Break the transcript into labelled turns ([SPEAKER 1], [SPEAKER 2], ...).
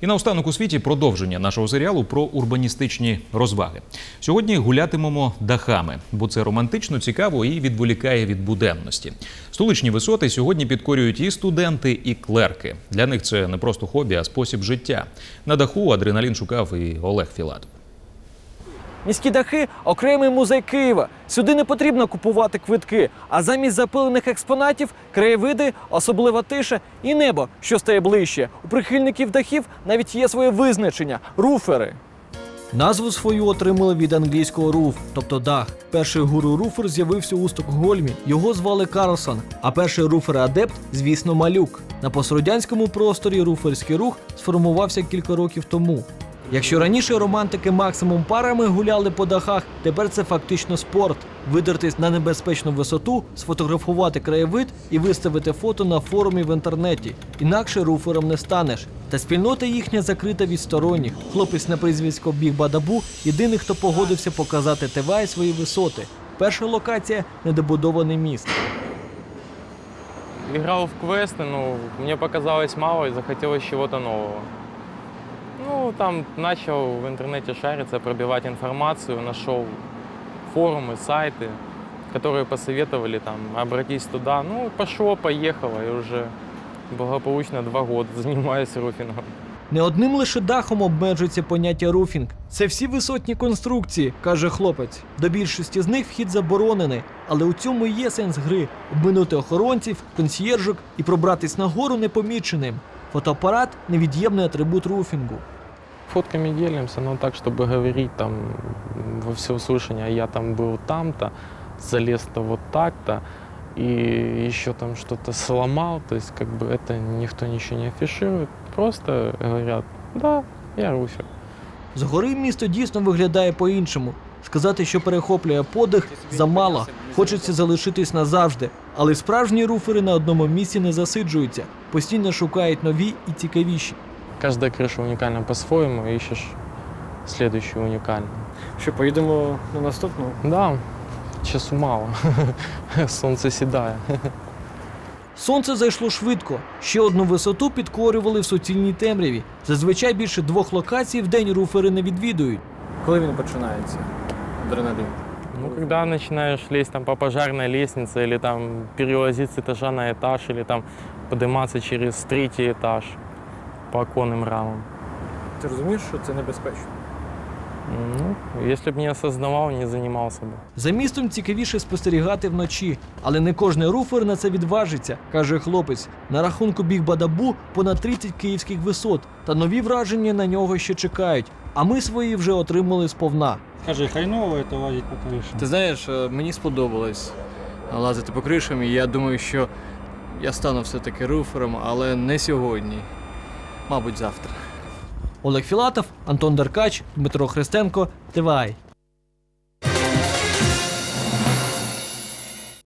[SPEAKER 1] І наостанок у світі продовження нашого серіалу про урбаністичні розваги. Сьогодні гулятимемо дахами, бо це романтично, цікаво і відволікає від буденності. Столичні висоти сьогодні підкорюють і студенти, і клерки. Для них це не просто хобі, а спосіб життя. На даху адреналін шукав і Олег Філатов.
[SPEAKER 2] Міські дахи – окремий музей Києва. Сюди не потрібно купувати квитки, а замість запилених експонатів – краєвиди, особлива тиша і небо, що стає ближче. У прихильників дахів навіть є своє визначення – руфери. Назву свою отримали від англійського «руф», тобто дах. Перший гуру-руфер з'явився у Стокгольмі, його звали Карлсон, а перший руфер-адепт, звісно, Малюк. На пострадянському просторі руферський рух сформувався кілька років тому. Якщо раніше романтики максимум парами гуляли по дахах, тепер це фактично спорт. Видертись на небезпечну висоту, сфотографувати краєвид і виставити фото на форумі в інтернеті. Інакше руфером не станеш. Та спільнота їхня закрита від сторонніх. Хлопець на прізвисько Біг Бадабу – єдиний, хто погодився показати ТВ свої висоти. Перша локація – недобудований міст.
[SPEAKER 3] Играл в квесты, но мне показалось мало и захотелось чего-то нового. Ну, там начал в интернете шариться, пробивать информацию, нашел форумы, сайты, которые посоветовали там обратись туда. Ну, пошло, поехало, и уже благополучно 2 года занимаюсь руфингом.
[SPEAKER 2] Не одним лише дахом обмежується поняття руфінг. Це всі висотні конструкції, каже хлопець. До більшості з них вхід заборонений. Але у цьому і є сенс гри – обминути охоронців, консьєржок і пробратись нагору непоміченим. Фотоапарат – невід'ємний атрибут руфінгу.
[SPEAKER 3] Фотками делимся, но так, чтобы говорить там во всеуслышание, я там был там-то, залез-то вот так-то, и еще там что-то сломал, то есть как бы это никто ничего не афиширует, просто говорят, да, я руфер.
[SPEAKER 2] Згори місто дійсно виглядає по-іншому. Сказати, що перехоплює подих – замало. Хочеться залишитись назавжди. Але справжні руфери на одному місці не засиджуються. Постійно шукають нові і цікавіші.
[SPEAKER 3] Каждая крыша уникальна по-своему, ищешь следующую уникальную.
[SPEAKER 2] Що, поїдемо на наступну?
[SPEAKER 3] Да, часу мало, сонце сідає.
[SPEAKER 2] Сонце зайшло швидко. Ще одну висоту підкорювали в суцільній темряві. Зазвичай більше 2 локацій в день руфери не відвідують. Коли він починається? Адреналін.
[SPEAKER 3] Ну, когда начинаешь лезть там по пожарной лестнице, или там перелазить с этажа на этаж, или там подниматься через 3-й этаж по оконным рамам.
[SPEAKER 2] Ти розумієш, що це небезпечно?
[SPEAKER 3] Ну, если бы не осознавал, не занимался бы.
[SPEAKER 2] За містом цікавіше спостерігати вночі. Але не кожний руфер на це відважиться, каже хлопець. На рахунку Біг Бадабу понад 30 київських висот. Та нові враження на нього ще чекають. А ми свої вже отримали сповна.
[SPEAKER 4] Кажи, хайново це лазити по кришам?
[SPEAKER 5] Ти знаєш, мені сподобалось лазити по кришам, і я думаю, що я стану все-таки руфером, але не сьогодні. Мабуть, завтра.
[SPEAKER 2] Олег Філатов, Антон Деркач, Дмитро Христенко, ТВА.